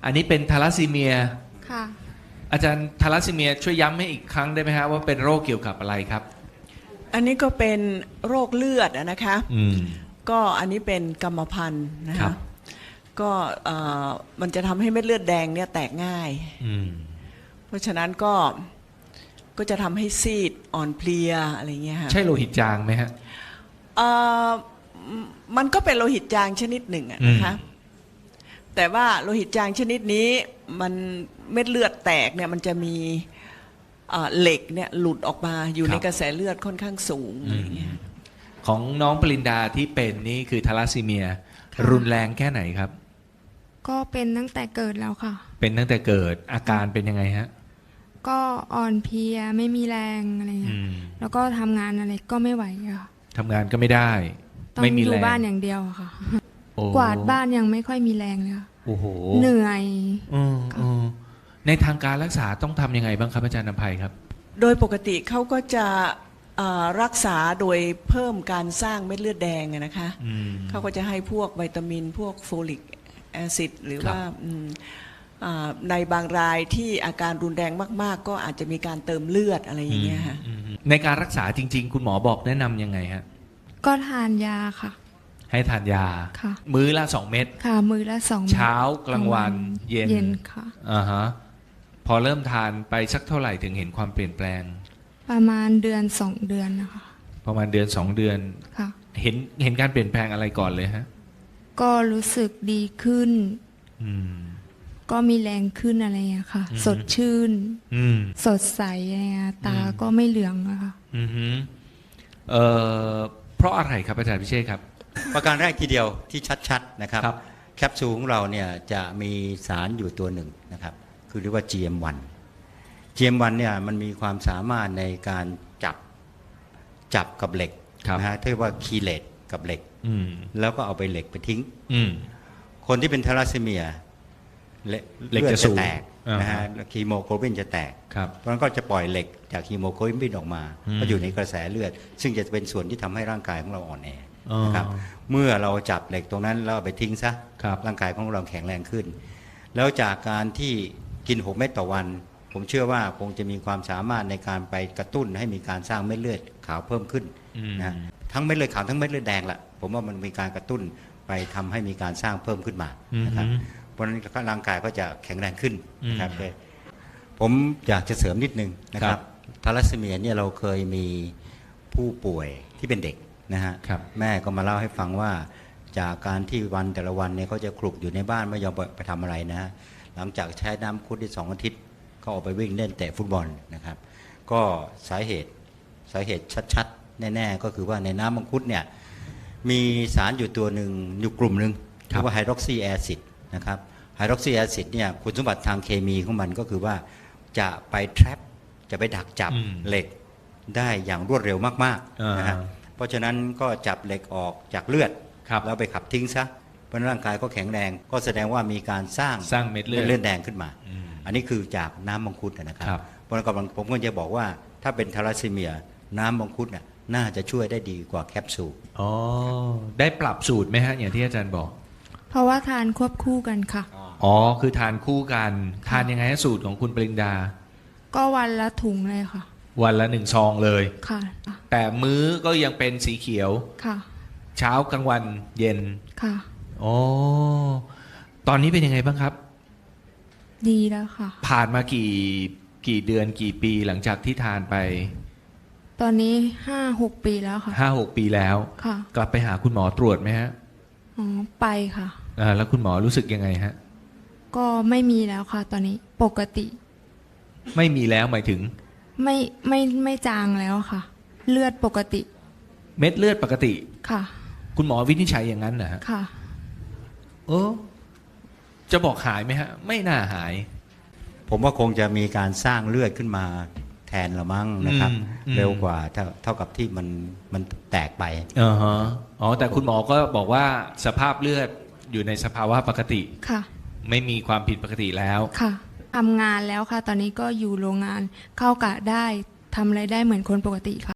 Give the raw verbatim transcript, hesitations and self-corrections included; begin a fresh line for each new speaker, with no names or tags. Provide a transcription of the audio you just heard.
อันนี้เป็นทาลัสซีเมีย
ค่ะ
อาจารย์ทาลัสซีเมียช่วยย้ำให้อีกครั้งได้ไหมฮะว่าเป็นโรคเกี่ยวกับอะไรครับ
อันนี้ก็เป็นโรคเลือดอะนะคะ
อืม
ก็อันนี้เป็นกรรมพันธุ์นะ
ครั
คะ
บ
ก็เอ่อมันจะทำให้เม็ดเลือดแดงเนี่ยแตกง่าย
อืม
เพราะฉะนั้นก็ก็จะทำให้ซีดอ่อนเพลียอะไรเงี้ยค่ะ
ใช่โลหิตจางไหมฮะ
เอ่อมันก็เป็นโลหิตจางชนิดหนึ่งอะนะคะ
อืม
แต่ว่าโลหิตจางชนิดนี้มันเม็ดเลือดแตกเนี่ยมันจะมีเอ่อเหล็กเนี่ยหลุดออกมาอยู่ในกระแสเลือดค่อนข้างสูงอะไรเงี้ย
ของน้องปรินดาที่เป็นนี่คือทาลัสซีเมีย
ค่ะ
รุนแรงแค่ไหนครับ
ก็เป็นตั้งแต่เกิดแล้วค่ะ
เป็นตั้งแต่เกิดอาการเป็นยังไงฮะ
ก็อ่อนเพลียไม่มีแรงอะไร
อื
เงี้ย
ม
แล้วก็ทำงานอะไรก็ไม่ไหวอะค่ะ
ทำงานก็ไม่ได้
ต้อง
ไม่มี
อ
แร
ยู่
ง
บ้านอย่างเดียวอะค่ะ
โอ้
กวาดบ้านยังไม่ค่อยมีแรงเลยค่ะ
โอ้โห
เหนื่อย
อืมอืมในทางการรักษาต้องทำยังไงบ้างครับอาจารย์นภัยครับ
โดยปกติเขาก็จะเอ่อรักษาโดยเพิ่มการสร้างเม็ดเลือดแดงอะนะคะ
อืม
เขาก็จะให้พวกวิตามินพวกโฟลิกแอซิดหรือ
ครับ
ว่าอืมอ่าในบางรายที่อาการรุนแรงมากๆ ก็อาจจะมีการเติมเลือดอะไรอย่างเงี้ยค่ะ
อืมอืมในการรักษาจริง ๆ คุณหมอบอกแนะนำยังไงฮะ
ก็ทานยาค่ะ
ให้ทานยา
ค่ะ
มื้อละสองเม็ด
ค่ะมือละสองม็ด
เช้ากลางวันเย็น
เย็นค่ะ
อ่าฮะพอเริ่มทานไปสักเท่าไหร่ถึงเห็นความเปลี่ยนแปลง
ประมาณเดือนสองเดือนนะคะ
ประมาณเดือนสองเดือน
ค่ะ
เห็นเห็นการเปลี่ยนแปลงอะไรก่อนเลยฮะ
ก็รู้สึกดีขึ้น
อืม
ก็มีแรงขึ้นอะไรอย่างเงี้ยค่ะ
อืม
สดชื่น
อืม
สดใสอะไรเงี้ยตา
อืม
ก็ไม่เหลืองอะค่ะ
อืมฮึเอ่อเพราะอะไรครับอาจารย์พิเชษครับ
ประการแรกทีเดียวที่ชัดๆนะครับ
ครับ
แคปซูลของเราเนี่ยจะมีสารอยู่ตัวหนึ่งนะครับคือเรียกว่า จี เอ็ม วัน จี เอ็ม วัน เนี่ยมันมีความสามารถในการจับจับกับเหล็ก
ครับ
นะฮะเรียกว่าคีเลตกับเหล็ก
อืม
แล้วก็เอาไปเหล็กไปทิ้ง
อืม
คนที่เป็นทาลัสซีเมียเลื
เหล็ก
อด
จะ
จะ
สูง
แตก
อ่าฮะ
นะฮะคีโมโกลบินจะแตก
ครับ
เพราะฉะนั้นก็จะปล่อยเหล็กจากฮีโมโกลบินออกมา
อืม
ก็อยู่ในกระแสเลือด ซึ่งจะเป็นส่วนที่ทำให้ร่างกายของเราอ่อนแอ
อ๋อ
นะครับเมื่อเราจับเหล็กตรงนั้นแล้วเอาไปทิ้งซะ
ครับ
ร่างกายของเราแข็งแรงขึ้น แล้วจากการที่กินหกเม็ดต่อวัน ผมเชื่อว่าคงจะมีความสามารถในการไปกระตุ้นให้มีการสร้างเม็ดเลือดขาวเพิ่มขึ้น
อืม
นะทั้งเม็ดเลือดขาวทั้งเม็ดเลือดแดงละผมว่ามันมีการกระตุ้นไปทำให้มีการสร้างเพิ่มขึ้นมานะครับ
อืม
เพราะฉะนั้นร่างกายก็จะแข็งแรงขึ้นนะครับ
อืม
เลยผมอยากจะเสริมนิดนึงนะค
ครั
รับบ ทาลัสซีเมียเนี่ยเราเคยมีผู้ป่วยที่เป็นเด็กนะฮะ
ครับ
แม่ก็มาเล่าให้ฟังว่าจากการที่วันแต่ละวันเนี่ยเขาจะคลุกอยู่ในบ้านไม่ยอมไปทำอะไรนะฮะหลังจากใช้น้ำคุดที่สองอาทิตย์ก็ออกไปวิ่งเล่นเตะฟุตบอลนะครับ ก็สาเหตุสาเหตุชัดๆ แน่ๆ ก็คือว่าในน้ำมังคุดเนี่ยมีสารอยู่ตัวหนึ่งอยู่กลุ่มหนึ่ง
ครั
เรี
บ
ยกว่าไฮดรอกซีแอซิดนะครับไฮดรอกซีแอซิดเนี่ยคุณสมบัติทางเคมีของมันก็คือว่าจะไป trap จะไปดักจับ
อืม
เหล็กได้อย่างรวดเร็วมาก
อ่า
ๆนะฮะเพราะฉะนั้นก็จับเหล็กออกจากเลือด
ครับ
แล้วไปขับทิ้งซะเพราะฉะนั้นร่างกายก็แข็งแรง ก็แสดงว่ามีการสร้าง
สร้างเม็ดเลือด
เลือดแดงขึ้นมา
อืม
อันนี้คือจากน้ำมังคุดนะครับ
ครับ
เพราะฉะนั้นกำลังผมก็จะบอกว่าถ้าเป็นทาลัสซีเมีย น้ำมังคุดน่ะน่าจะช่วยได้ดีกว่าแคปซูล
อ๋อได้ปรับสูตรไหมฮะอย่างที่อาจารย์บอก
เพราะว่าทานควบคู่กันค่ะ
อ๋อคือทานคู่กันทานยังไงฮะสูตรของคุณปรินดา
ก็วันละถุงเลยค่ะ
วันละหนึ่งซองเลย
ค่ะ
แต่มื้อก็ยังเป็นสีเขียว
ค่ะ
เช้ากลางวันเย็น
ค่ะ
อ๋อตอนนี้เป็นยังไงบ้างครับ
ดีแล้วค่ะ
ผ่านมากี่กี่เดือนกี่ปีหลังจากที่ทานไป
ตอนนี้ห้าหกปีแล้วค่ะ
ห้าหกปีแล้ว
ค่ะ
กลับไปหาคุณหมอตรวจไหมฮะ
อ๋อไปค่ะ
อ่าแล้วคุณหมอรู้สึกยังไงฮะ
ก็ไม่มีแล้วค่ะ ตอนนี้ปกติ
ไม่มีแล้วหมายถึง
ไม่ไม่ไม่จางแล้วค่ะ เลือดปกติ
เม็ดเลือดปกติ
ค่ะ
คุณหมอวินิจฉัยอย่างนั้นนะฮะ
ค่ะ
เออจะบอกหายไหมฮะ ไม่น่าหาย
ผมว่าคงจะมีการสร้างเลือดขึ้นมาแทนละมั้งนะครับ
อืมอืม
เร็วกว่าเท่าเท่ากับที่มันมันแตกไป
อ่าฮะอ๋อแต่คุณหมอก็บอกว่าสภาพเลือดอยู่ในสภาวะปกติ
ค่ะ
ไม่มีความผิดปกติแล้ว
ค่ะทำงานแล้วค่ะ ตอนนี้ก็อยู่โรงงานเข้ากะได้ทำอะไรได้เหมือนคนปกติค่ะ